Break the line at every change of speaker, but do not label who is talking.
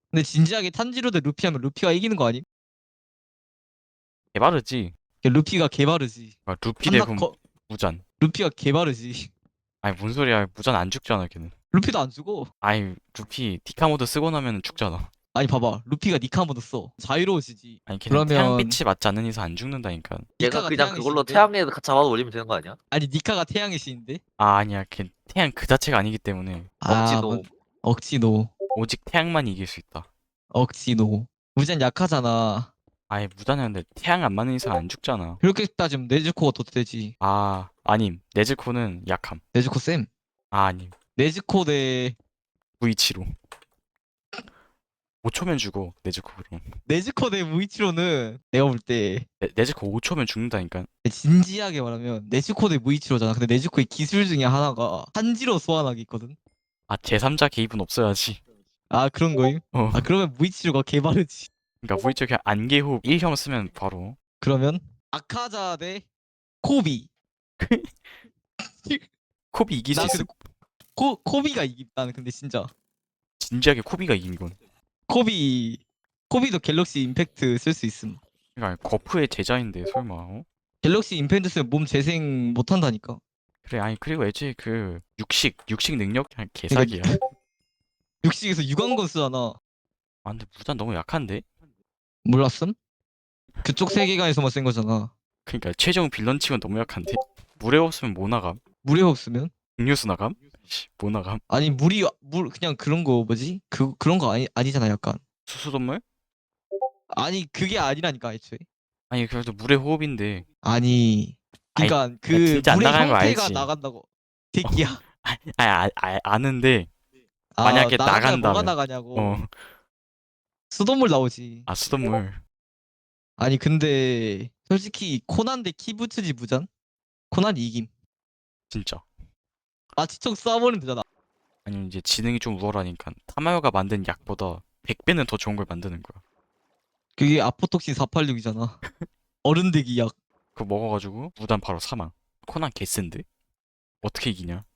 근데 진지하게 탄지로 대 루피 하면 루피가 이기는 거 아님?
개바르지.
루피가 개바르지.
아, 루피 대
한나
그럼
거
무잔.
루피가 개바르지.
아니 뭔 소리야. 무잔 안 죽잖아 걔는.
루피도 안 죽어.
아니 루피 디카 모드 쓰고 나면 죽잖아.
아니 봐봐. 루피가 니카 모드 써. 자유로워지지.
아니 걔는
그러면
태양빛이 맞지 않는 이상 안 죽는다니까.
얘가
니카가
그냥
태양의
그걸로
신인데?
태양에 잡아 올리면 되는 거 아니야?
아니 니카가 태양의 신인데?
아 아니야 걔 태양 그 자체가 아니기 때문에
아,
억지도.
억지 노.
오직 태양만 이길 수 있다.
억지 노. 무전 약하잖아.
아예 무단은 근데 태양 안 맞는 이상 안 죽잖아.
그렇게 따지면 네즈코가 더 되지.
아 아님 네즈코는 약함.
네즈코 쌤.
아 아님
네즈코 대
무이치로 5초면 죽어 네즈코 그럼.
네즈코 대 무이치로는 내가 볼 때
네즈코 5초면 죽는다니까.
진지하게 말하면 네즈코 대 무이치로잖아. 근데 네즈코의 기술 중에 하나가 한지로 소환하기 있거든.
아 제3자 개입은 없어야지.
아 그런 거임?
어
아 그러면 무이치로가 개바르지.
그러니까 무이치 그냥 안개호흡 1형 쓰면 바로.
그러면 아카자 대 코비.
코비 이길 수
나
있음?
근데 코비가 이기. 나는 근데 진짜
진지하게 코비가 이긴 이건.
코비 코비도 갤럭시 임팩트 쓸 수 있음.
그러니까 거프의 제자인데 설마 어?
갤럭시 임팩트 쓰면 몸 재생 못 한다니까.
그래 아니 그리고 애초에 그 육식 능력 그냥 개사기야.
그러니까 육식에서 유광건 쓰잖아.
아 근데 무단 너무 약한데?
몰랐음? 그쪽 세계관에서만 쓴 거잖아.
그러니까 최종 빌런 치곤 너무 약한데? 물에 없으면 뭐 나감?
물에 없으면?
음료수 나감? 씨, 뭐 나감?
아니 물 그냥 그런 거 뭐지? 그런 거 아니잖아 약간.
수소동물?
아니 그게 아니라니까 애초에.
아니 그래도 물의 호흡인데.
아니
아이
그러니까
아,
그
진짜 안
물의
나가는 거
형태가
알지?
나간다고.
어,
새끼야.
아는데
아
만약에
나가면 뭐가
나간다면
나가냐고.
어,
수돗물 나오지.
아 수돗물
아니 근데 솔직히 코난 대 키부츠지 무전? 코난이 이김.
진짜.
마취총 쏴버리면 되잖아.
아니면 이제 지능이 좀 우월하니까 타마요가 만든 약보다 100배는 더 좋은 걸 만드는 거야.
그게 아포톡신 486이잖아. 어른대기 약.
그거 먹어가지고 무단 바로 사망. 코난 개센데? 어떻게 이기냐?